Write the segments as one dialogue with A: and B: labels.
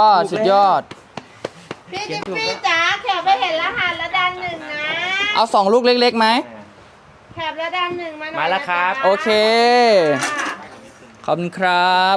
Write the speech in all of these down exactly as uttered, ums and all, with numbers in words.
A: ก็สุดยอด
B: พี่จิ๊บพี่จ๋าแขกไปเห็นรหัสแล้วดันหนึ่งนะ
A: เอาสองลูกเล็กๆไหม
B: แขกแล้วดันหนึ่งมาหน่อย
C: มาแล้วครับ
A: โอเคขอบคุณครับ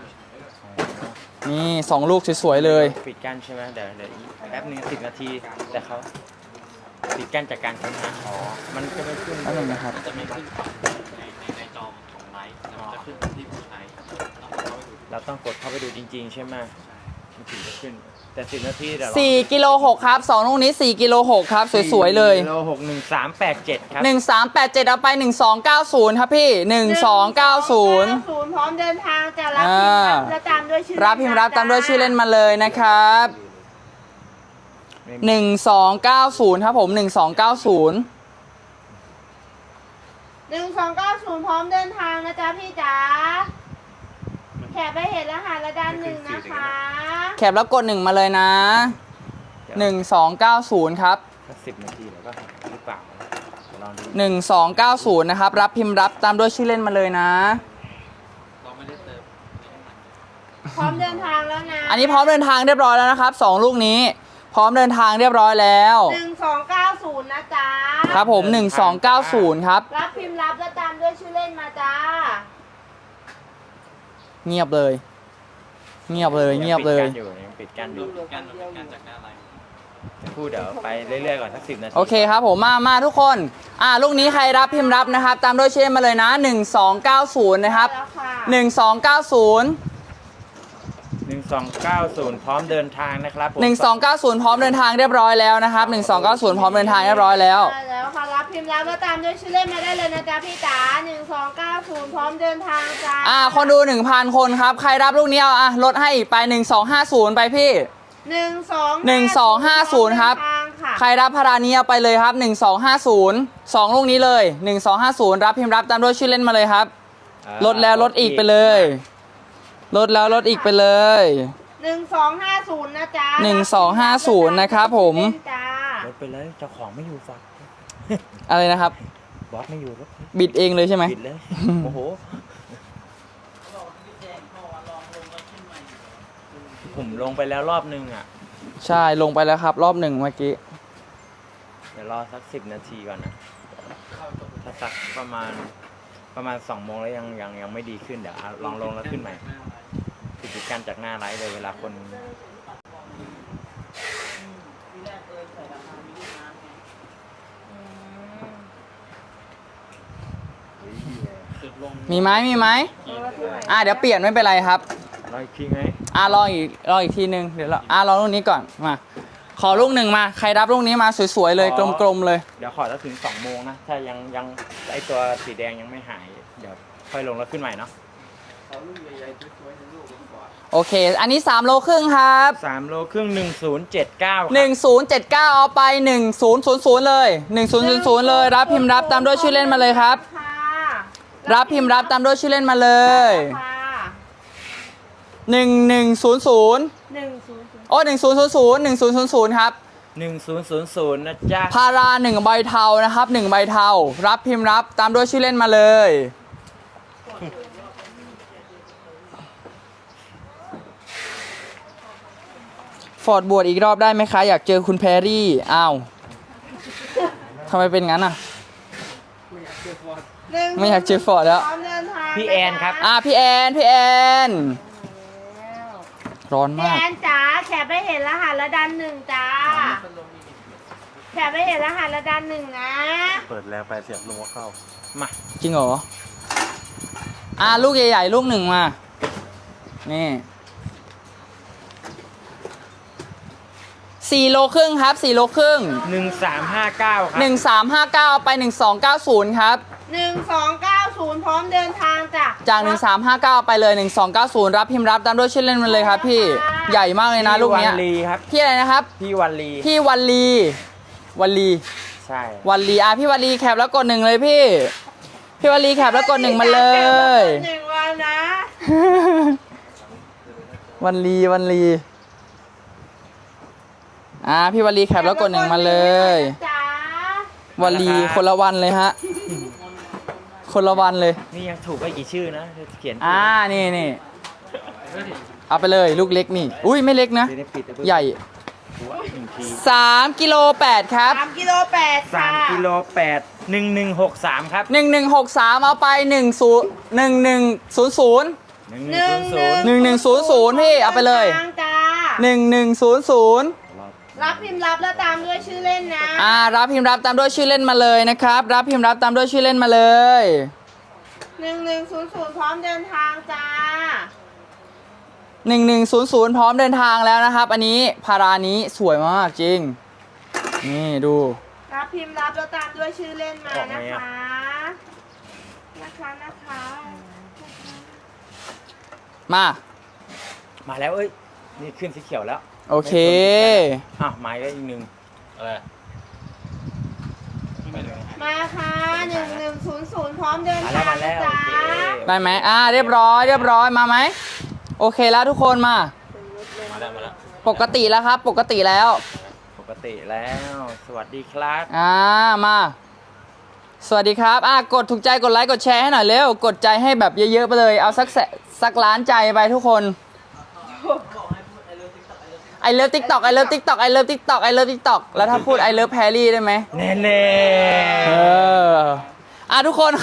A: นี่สองลูกสวยๆเลย
C: ปิดกั้นใช่ไหมเดี๋ยวเดี๋ยวอีกแป๊บนึงสิบนาทีแต่เขาปิดกั้นจากการค้นหาอ๋อมันจะไม่ขึ้น
A: นั่นเองนะครับ
D: จะไม่ขึ้นในในในจอของไลฟ์แต่มันจะขึ้นที่ผู้ใช้
C: เราต้องกดเข้าไปดูจริงๆใช่ไหมมันถึงจะขึ้นแต่สิบนาทีเดี๋ยว
A: สี่กิโลหกครับสองลูกนี้สี่กิโลหกครับสวยๆเลย
C: กิโลหกหนึ่งสามแปดเจ็ดครับ
A: หนึ่งสามแปดเจ็ดเอาไปหนึ่งสองเก้าศูนย์ครับพี่หนึ่งสองเก้าศูนย์
B: พร้อมเดินทางจะรับพิมพ์รับและตามด้วยชื่อ
A: รับพิมพ์รับตามด้วยชื่อเล่นมาเลยนะครับหนึ่งสองเก้าศูนย์ครับผมหนึ่งสองเก้าศูนย์
B: หนึ่งสองเก้าศูนย์พร้อมเดินทางนะจ๊ะพี่จ๋าแขกไปเห็นรหัสและดันหนึ่งนะคะ
A: แคปแล้วกดหนึ่งมาเลยนะหนึ่งสองเก้าศูนย์ครับ
C: สิบนาทีแล้วก็หรือเปล่า
A: หนึ่งสองเก้าศูนย์นะครับรับพิมพ์รับตามด้วยชื่อเล่นมาเลยนะ
D: เราไม่ได้เติม
B: พร้อมเดินทางแล้วนะ
A: อันนี้พร้อมเดินทางเรียบร้อยแล้วนะครับสองลูกนี้พร้อมเดินทางเรียบร้อยแล้ว
B: หนึ่งสองเก้าศูนย์นะจ๊ะ
A: ครับผมหนึ่งสองเก้าศูนย์ครับ
B: รับพิมพ์รับและตามด้วยชื่อเล่นมาจ้า
A: เงียบเลยเงียบเลยเงียบเลย
C: ยังปิดกั้นอยู่
D: ปิดกั้นปิดกั้นจากหน้าไลฟ์
C: จะพูดเดี๋ยวไปเรื่อยๆก่อนสักสิบนาที
A: โอเคครับผมมามาทุกคนอ่าลูกนี้ใครรับพิมพ์รับนะครับตามด้วยชื่อเล่นมาเลยนะหนึ่งสองเก้าศูนย์นะครับหนึ่งสองเก้าศูนย์
C: หนึ่งสองเก้าศูนย์พร้อมเดินทางนะครับ
A: หนึ่งสองเก้าศูนย์พร้อมเดินทางเรียบร้อยแล้วนะครับหนึ่งสองเก้าศูนย์พร้อมเดินทางเรียบร้อยแล้ว
B: แล้วค่ะรับพิมพ์รับแล้วตามด้วยชื่อเล่นมาได้เลยนะจ๊ะพี่จ๋าหนึ่งสองเก้าศูนย์พร้อมเดินทางจ้า
A: อ่าคนดูหนึ่งพันคนครับใครรับลูกนี้เอาอ่ะลดให้อีกไปหนึ่งสองห้าศูนย์ไปพี่
B: หนึ่งสอง
A: หนึ่งสองห้าศูนย์ครับใครรับพารานี้เอาไปเลยครับหนึ่งสองห้าศูนย์สองลูกนี้เลยหนึ่งสองห้าศูนย์รับพิมพ์รับตามด้วยชื่อเล่นมาเลยครับลดแล้วลดอีกไปเลยลดแล้วลดอีกไปเลย
B: หนึ่งสองห้าศูนย์นะจ๊ะ
A: หนึ่งสองห้าศูนย์นะครับผม
C: ลดไปเลยเจ้าของไม่อยู่ฝัก
A: อะไรนะครับ
C: บอสไม่อยู่รถ
A: บิดเองเลยใช่ไหม
C: บิดเลยโอ้โหผมลงไปแล้วรอบนึงอ่ะ
A: ใช่ลงไปแล้วครับรอบหนึ่งเมื่อกี้
C: เดี๋ยวรอสักสิบนาทีก่อนนะถ้าสักประมาณประมาณสองโมงแล้วยังยังยังไม่ดีขึ้นเดี๋ยวลองลงแล้วขึ้นใหม่ปิดกั้นจากหน้าไลฟ์เลยเวลาคน
A: มีไหมมีไหมอ่าเดี๋ยวเปลี่ยนไม่เป็นไรครับ
C: รออีกทีไหม
A: อ่ารออีกรออีกทีนึงเดี๋ยวเราอ่ารอลูกนี้ก่อนมาขอลูกหนึ่งมาใครรับลูกนี้มาสวยๆเลยกลมๆเลย
C: เดี๋ยวขอแล้วถึงสองโมงนะถ้ายังยังไอตัวสีแดงยังไม่หายเดี๋ยวค่อยลงแล้วขึ้นใหม่เนาะ
A: โอเคอันนี้สามโลครึ่งครับ
C: สามโลครึ่งหนึ่งศูนย์เจ็ดเก้า
A: หนึ่งศูนย์เจ็ดเก้าเอาไปหนึ่งศูนย์ศูนย์ศูนย์เลยหนึ่งศูนย์ศูนย์ศูนย์เลยรับพิมพ์รับตามด้วยชื่อเล่นมาเลยครับรับพิมพ์รับตามด้วยชื่อเล่นมาเลยหนึ่งหนึ่งศูนย์ศูนย์โอ้หนึ่งศูนย์ศูนย์ศูนย์หนึ่งศูนย์ศูนย์ศูนย์ครับ
C: หนึ่งศูนย์ศูนย์ศูนย์นะจ๊ะ
A: พาราหนึ่งใบเทานะครับหนึ่งใบเทารับพิมพ์รับตามด้วยชื่อเล่นมาเลยฟอร์ดบวชอีกรอบได้ไหมคะอยากเจอคุณแพรรี่อ้าวทำไมเป็นงั้นอ่ะไม่อยากเจอฟอร์ดแล้ว
C: พี่แอนครับ
A: อ่ะพี่แอนพี่แอนร้อนมาก
B: พี่แอนจ๋าแขกไปเห็นรหัสและดันหนึ่งจ้าแขกไปเห็นรหัสและดันหนึ่งนะ
C: เปิดแล้วไปเสียบลงเข้ามา
A: จริงเหรออ่ะลูกใหญ่ๆลูกหนึ่งมานี่สี่โลครึ่งครับสี่โลครึ่ง
C: หนึ่งสามห้าเก้าครับ
A: หนึ่งสามห้าเก้าไปหนึ่งสองเก้าศูนย์ครับ
B: หนึ่งสองเก้าศูนย์พร้อมเดินทางจ้ะ
A: จากหนึ่งสามห้าเก้าไปเลยหนึ่งสองเก้าศูนย์รับพิมพ์รับตามด้วยชื่อเล่นมันเลยครับพี่ใหญ่มากเลยนะลูกเนี้ย
C: พี่วันลีครับ
A: พี่อะไรนะครับ
C: พี่วันลี
A: พี่วันลีวันลี
C: ใช่
A: วันลีอ่ะพี่วันลีแคปแล้วกดหนึ่งเลยพี่พี่วันลีแคปแล้วกดหนึ่งมาเลย
B: หนึ่งวันนะ
A: วันลีวันลีอ่าพี่วลีแคปแล้วกดหนึ่งมาเลยวลีคนละวันเลยฮะคนละวันเลย
C: นี่ยังถูกไปกี่ชื่อนะเขียน
A: อ่านี่นี่เอาไปเลยลูกเล็กนี่ อุ้ยไม่เล็กนะ
C: จะได้ปิดนะเพิ่ง
A: ใหญ่
C: หัวหนึ่งที
A: สามกิโลแปดครับ
B: สามกิโลแปด
C: สาม
B: ค่ะ
C: กิโลแปดหนึ่งหนึ่งหกสามครับ
A: หนึ่งหนึ่งหกสามเอาไปหนึ่งศูนย์หนึ่งหนึ่งศูนย์ศูนย์
C: หนึ่งหนึ่งศูนย์ศูนย์
A: หนึ่งหนึ่งศูนย์ศูนย์พี่เอาไปเลย
B: ทางจ้า
A: หนึ่งหนึ่งศูนย์ศูนย์
B: รับพิมพ์รับแล้วตามด้วยชื่อเล่นนะ
A: อ่ารับพิมพ์รับตามด้วยชื่อเล่นมาเลยนะครับ รับพิมพ์รับตามด้วยชื่อเล่นมาเลย
B: หนึ่งหนึ่งศูนย์ศูนย์พร้อมเดินทางจ้า
A: หนึ่งหนึ่งศูนย์ศูนย์พร้อมเดินทางแล้วนะครับ อันนี้พารานี้สวยมากจริง นี่ดู
B: รับพิมพ์รับแล้วตามด้วยชื่อเล่นมา
C: ออกไหม
B: นะ
C: อะ
B: คะ นะคะนะคะ
A: มา
C: มาแล้วเอ้ย นี่ขึ้นสีเขียวแล้ว
A: โอเค
C: อ่ะไม้ก็อีกหนึ่ง
D: อะไรไปเลย
B: มาค่ะหนึ่งหนึ่งศูนย์ศูนย์พร้อมเดิน
C: มา
B: ทา
C: แล้ว
B: ง
C: มา
B: นะ
C: แล้ว
B: จ๊ะ
C: โอเค
A: ได้ไหมอ่าเรียบร้อยเรียบร้อยมาไหมโอเคแล้วทุกคนมา
D: มาแล้วมาแล้ว
A: ปกติแล้วครับ ปกติแล้ว
C: ปกติแล้ว สวัสดีครับ
A: อ่ามา สวัสดีครับอ่ากดถูกใจกดไลค์กดแชร์ให้หน่อยเร็วกดใจให้แบบเยอะๆไปเลยเอาสักแสสักล้านใจไปทุกคนไอเลิฟติ๊กตอกไอเลิฟติ๊กตอกไอเลิฟติ๊กตอกไอเลิฟติ๊กตอกแล้วถ้าพูดไอเลิฟแพรรี่ได้ไหม
C: แน่แน่
A: เอออ่ะทุกคน